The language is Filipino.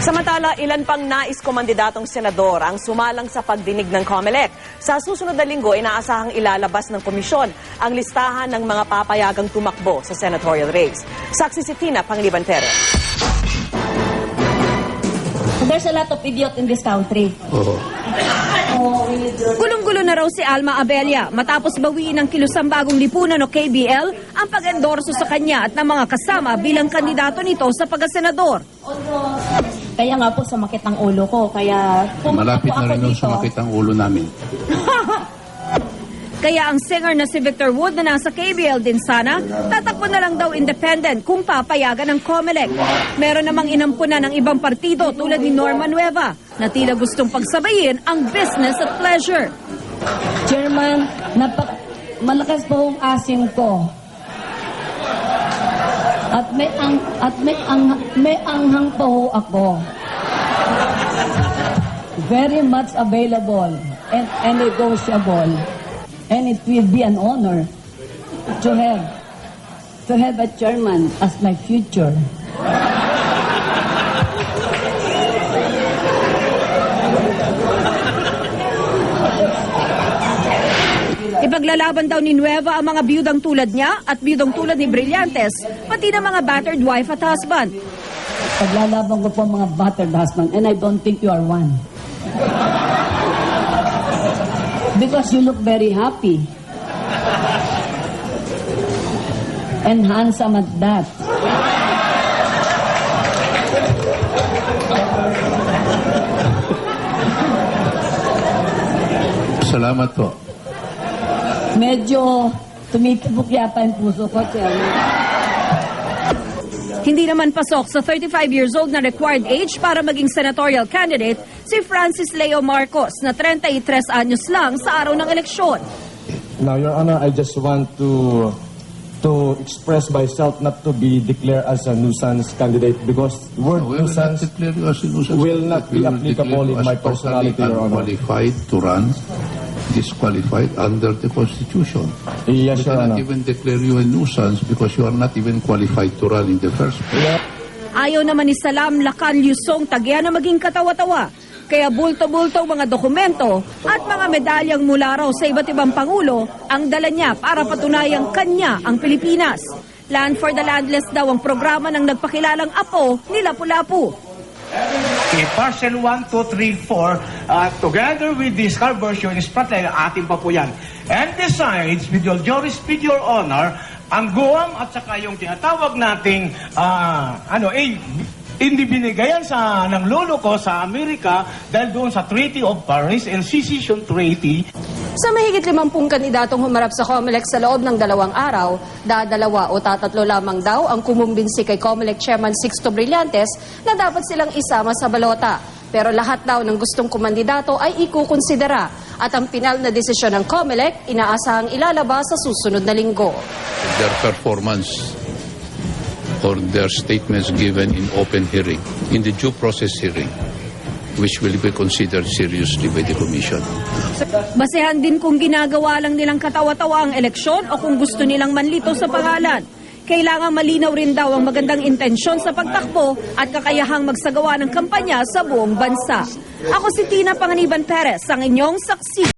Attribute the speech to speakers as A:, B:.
A: Samantala, ilan pang nais komandidatong senador ang sumalang sa pagdinig ng COMELEC. Sa susunod na linggo, inaasahang ilalabas ng komisyon ang listahan ng mga papayagang tumakbo sa senatorial race. Saksi si Tina Pangliban Perez.
B: There's a lot of idiot in this country.
C: Gulong-gulo na raw si Alma Abella matapos bawiin ng kilusang bagong lipunan o KBL ang pag-endorso sa kanya at ng mga kasama bilang kandidato nito sa pagkasenador.
B: Kaya nga po sumakit ang ulo ko. Kaya
D: malapit na rin yung sumakit ang ulo namin.
C: Kaya ang singer na si Victor Wood na nasa KBL din sana, tatakbo na lang daw independent kung papayagan ng COMELEC. Meron namang inampunan ng ibang partido tulad ni Norma Nueva na tila gustong pagsabayin ang business at pleasure.
B: Chairman, malakas po ang asim ko. At may anghang pa ho ako. Very much available and negotiable. And it will be an honor to have a chairman as my future.
C: Ipaglalaban daw ni Nueva ang mga biyudang tulad niya at biyudang tulad ni Brillantes, pati na mga battered wife at husband.
B: Paglalaban ko po ang mga battered husband, and I don't think you are one. Because you look very happy. And handsome at that.
D: Salamat po.
B: Medyo tumitibok yata yung puso ko, Chairman.
C: Hindi naman pasok sa 35 years old na required age para maging senatorial candidate si Francis Leo Marcos na 33 anyos lang sa araw ng eleksyon.
E: Now, Your Honor, I just want to express myself not to be declared as a nuisance candidate because the word nuisance will not be applicable in my personality, Your Honor.
D: Unqualified to run, disqualified under the Constitution.
E: Yes,
D: We
E: Your
D: cannot
E: Honor.
D: even declare you a nuisance because you are not even qualified to run in the first place.
C: Ayaw naman ni Salam Lacan Lusong Tagya na maging katawa-tawa. Kaya bulto-bulto mga dokumento at mga medalyang mula raw sa iba't ibang pangulo ang dala niya para patunayang kanya ang Pilipinas. Land for the Landless daw ang programa ng nagpakilalang apo ni Lapu-Lapu.
F: Parcel 1, 2, 3, 4, together with this car version is patay, atin pa po yan. And besides, with your honor, ang Guam at saka yung tinatawag nating, hindi binigayan ng lolo ko sa Amerika dahil doon sa Treaty of Paris and Secession Treaty.
C: Sa mahigit 50 kandidatong humarap sa COMELEC sa loob ng 2 araw, dadalawa o tatatlo lamang daw ang kumumbinsi kay COMELEC Chairman Sixto Brillantes na dapat silang isama sa balota. Pero lahat daw ng gustong kumandidato ay ikukonsidera at ang pinal na desisyon ng COMELEC inaasahang ilalabas sa susunod na linggo.
D: Their performance or their statements given in open hearing, in the due process hearing, which will be considered seriously by the Commission.
C: Basehan din kung ginagawa lang nilang katawa-tawa ang eleksyon o kung gusto nilang manlito sa pangalan. Kailangang malinaw rin daw ang magandang intensyon sa pagtakbo at kakayahang magsagawa ng kampanya sa buong bansa. Ako si Tina Pangliban Perez, ang inyong saksi.